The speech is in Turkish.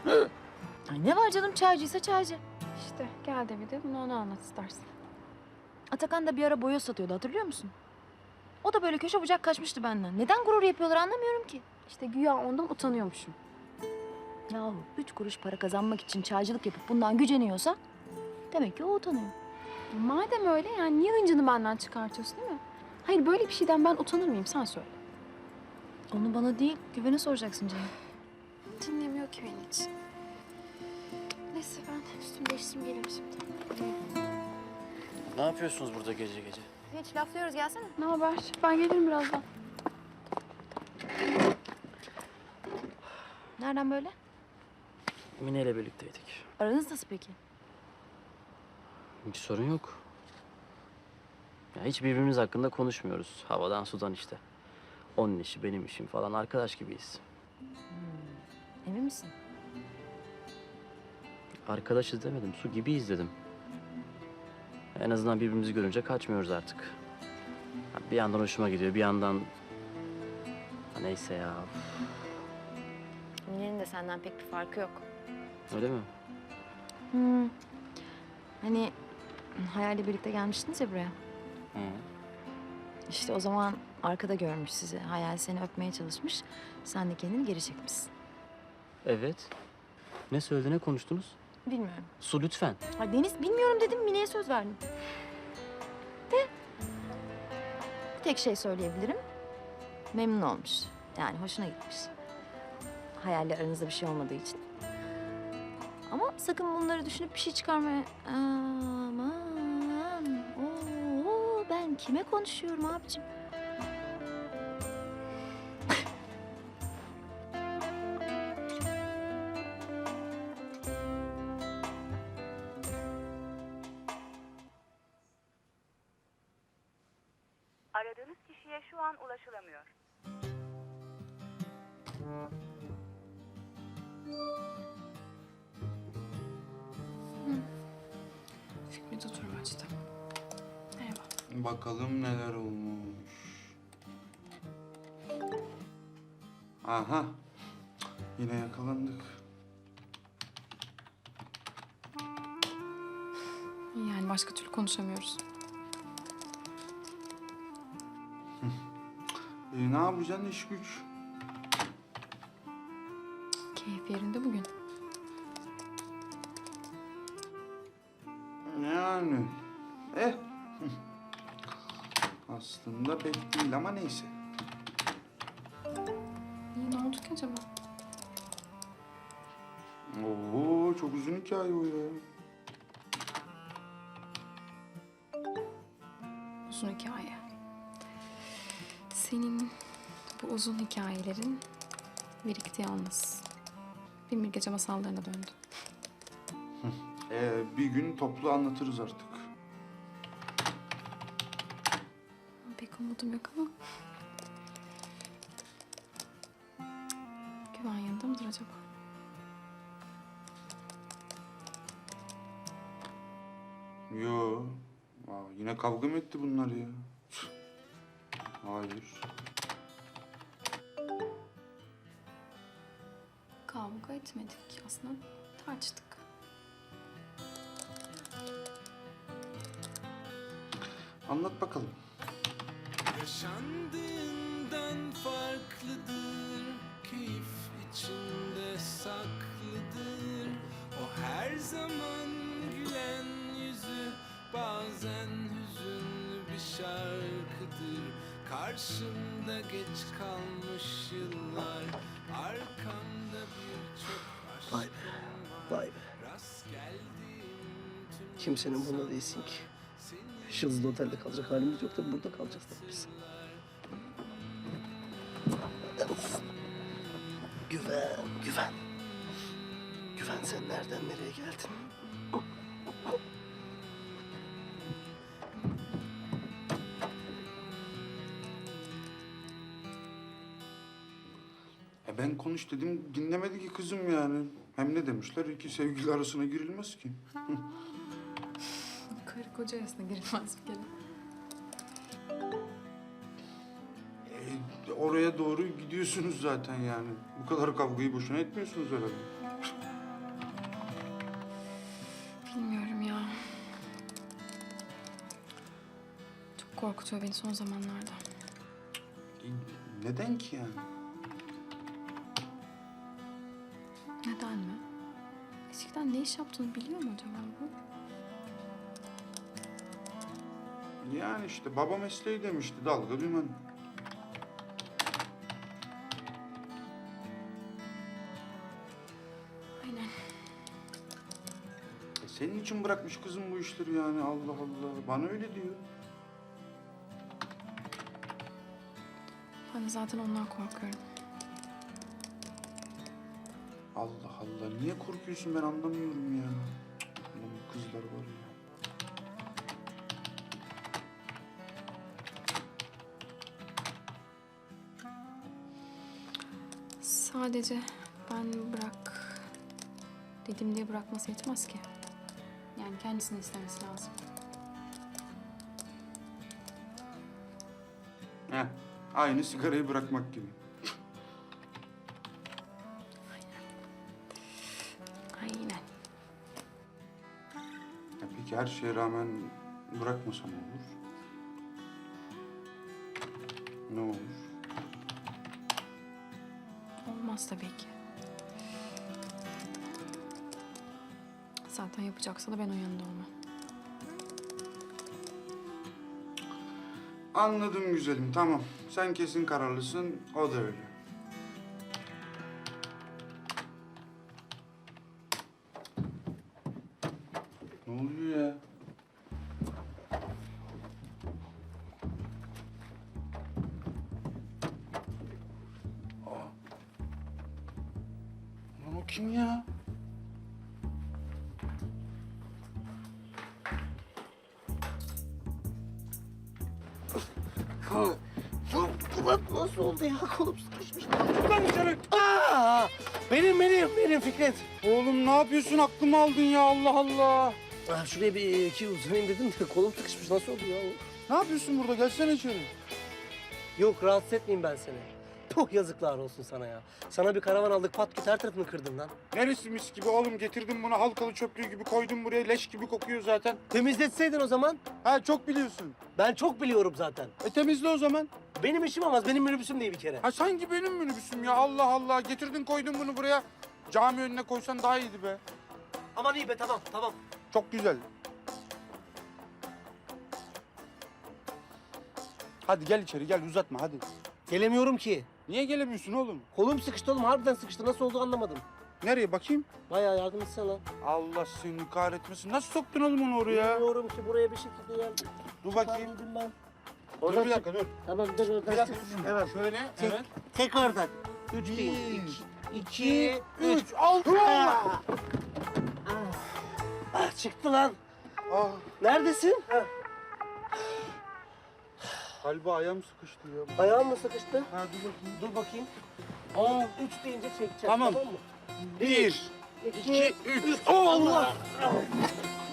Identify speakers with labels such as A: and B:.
A: Ay ne var canım, çaycıysa çaycı.
B: İşte gel de bir de bunu ona anlat istersen.
A: Atakan da bir ara boya satıyordu, hatırlıyor musun? O da böyle köşe bucak kaçmıştı benden. Neden gurur yapıyorlar anlamıyorum ki.
B: İşte güya ondan utanıyormuşum.
A: Yahu 3 kuruş para kazanmak için çaycılık yapıp bundan güceniyorsa demek ki o utanıyor.
B: Madem öyle yani niye hıncını benden çıkartıyorsun değil mi? Hayır böyle bir şeyden ben utanır mıyım sen söyle.
A: Onu bana değil, Güven'e soracaksın canım.
B: Dinlemiyor ki beni hiç. Neyse ben üstümü değiştireyim gelirim şimdi.
C: Ne yapıyorsunuz burada gece gece?
A: Hiç laflıyoruz, gelsene.
B: Ne haber? Ben gelirim birazdan.
A: Nereden böyle?
C: Mine ile birlikteydik.
A: Aranız nasıl peki?
C: Hiç sorun yok. Ya hiç birbirimiz hakkında konuşmuyoruz. Havadan sudan işte. Onun işi, benim işim falan arkadaş gibiyiz.
A: Emin misin?
C: Arkadaşız demedim, su gibiyiz dedim. En azından birbirimizi görünce kaçmıyoruz artık. Ha, bir yandan hoşuma gidiyor, bir yandan... Ha, neyse ya.
A: Mine'nin de senden pek bir farkı yok.
C: Öyle mi?
A: Hani Hayal'le birlikte gelmiştiniz ya buraya.
C: Hı.
A: İşte o zaman arkada görmüş sizi. Hayal seni öpmeye çalışmış. Sen de kendini geri çekmişsin.
C: Evet. Ne söyledi, ne konuştunuz?
A: Bilmiyorum.
C: Su lütfen.
A: Ay Deniz, bilmiyorum dedim, Mine'ye söz verdim. De bir tek şey söyleyebilirim. Memnun olmuş. Yani hoşuna gitmiş. Hayalle aranızda bir şey olmadığı için. Ama sakın bunları düşünüp bir şey çıkarmaya... Aman. Oo, ben kime konuşuyorum abicim?
D: Aradığınız kişiye şu an ulaşılamıyor.
B: Fikret oturmaçta. Merhaba.
E: Bakalım neler olmuş. Aha. Yine yakalandık.
B: Yani başka türlü konuşamıyoruz.
E: Ne yapacaksın iş güç?
B: Keyif yerinde bugün.
E: Yani. Aslında pek değil ama neyse.
B: İyi ne oldu ki acaba?
E: Oo, çok uzun hikaye o ya.
B: Uzun hikaye. Senin bu uzun hikayelerin birikti yalnız. Bin bir gece masallarına döndü.
E: Bir gün toplu anlatırız artık.
B: Pek umudum yok ama. Güven yanında mıdır acaba?
E: Yo. Yine kavga mı etti bunlar ya? Hayır.
B: Kavga etmedik aslında. Tartıştık.
E: Anlat bakalım.
F: Yaşandığından farklıdır, keyif içinde saklıdır. O her zaman gülen yüzü, bazen hüzünlü bir şarkıdır. Karşımda geç kalmış yıllar, arkamda birçok aşkım
G: Vay be, vay be.
F: rast geldiğim tüm
G: Kimsenin bunda değilsin ki. Yıldızlı otelde kalacak halimiz yok da burada kalacağız tabii biz. Of. Güven, güven. Güven sen nereden nereye geldin?
E: Ben konuş dedim, dinlemedi ki kızım yani. Hem ne demişler, iki sevgili arasına girilmez ki.
B: Karı koca arasına girilmez bir kere.
E: Oraya doğru gidiyorsunuz zaten yani. Bu kadar kavgayı boşuna etmiyorsunuz herhalde.
B: Bilmiyorum ya. Çok korkutuyor beni son zamanlarda.
E: Neden ki yani?
B: Neden mi? Eskiden ne iş yaptığını biliyor mu acaba bu?
E: Yani işte baba mesleği demişti, dalga dümen.
B: Aynen.
E: Senin için bırakmış kızım bu işleri yani, Allah Allah. Bana öyle diyor.
B: Ben de zaten ondan korkuyorum.
E: Allah Allah, niye korkuyorsun ben anlamıyorum ya. Ulan bu kızlar var ya.
B: Sadece ben bırak dedim diye bırakması yetmez ki. Yani kendisini istemesi lazım.
E: Heh, aynı sigarayı bırakmak gibi.
B: Aynen.
E: Ya peki her şeye rağmen bırakmasam olur? Ne olur?
B: Olmaz tabii ki. Zaten yapacaksa da ben o yanında olmam.
E: Anladım güzelim, tamam. Sen kesin kararlısın, o da öyle. Ne oluyor ya? Aa. Lan o kim ya?
G: Ulan nasıl oldu ya? Kolum sıkışmış.
E: Lan dışarı!
G: Benim Fikret.
E: Oğlum ne yapıyorsun? Aklımı aldın ya, Allah Allah.
G: Şuraya bir iki uzanayım dedim de kolum sıkışmış. Nasıl oldu ya?
E: Ne yapıyorsun burada? Gelsene içeri.
G: Yok rahatsız etmeyeyim ben seni. Puh yazıklar olsun sana ya. Sana bir karavan aldık pat küt her tarafını kırdın lan.
E: Neresi mis gibi oğlum? Getirdim bunu halkalı çöplüğü gibi koydum buraya. Leş gibi kokuyor zaten.
G: Temizletseydin o zaman.
E: Ha çok biliyorsun.
G: Ben çok biliyorum zaten.
E: Temizle o zaman.
G: Benim işim olmaz. Benim minibüsüm değil bir kere.
E: Ha sanki benim minibüsüm ya, Allah Allah. Getirdin koydun bunu buraya. Cami önüne koysan daha iyiydi be.
G: Aman iyi be tamam.
E: Çok güzel. Hadi gel içeri, gel uzatma hadi.
G: Gelemiyorum ki.
E: Niye gelemiyorsun oğlum?
G: Kolum sıkıştı oğlum. Harbiden sıkıştı. Nasıl oldu anlamadım.
E: Nereye bakayım?
G: Bayağı yardım etsene lan.
E: Allah seni kahretmesin. Nasıl soktun oğlum onu oraya?
G: Bilmiyorum ki buraya bir şekilde yani.
E: Dur bakayım.
G: Çıkardım ben.
E: Dur bir dakika dur.
G: Tamam dur oradan
E: Bir dakika
G: çıksın.
E: dur. Evet. Şöyle. Evet.
G: Tek oradan. Üç
E: Bir,
G: değil.
E: iki, üç. Altı.
G: Çıktı lan.
E: Ah,
G: Neredesin?
E: galiba ayağım sıkıştı ya.
G: Ayağın mı sıkıştı?
E: Ha dur bakayım.
G: Dur bakayım.
E: Aa,
G: 3 deyince çekeceğim.
E: Tamam.
G: mı?
E: bir, iki, üç.
G: Allah!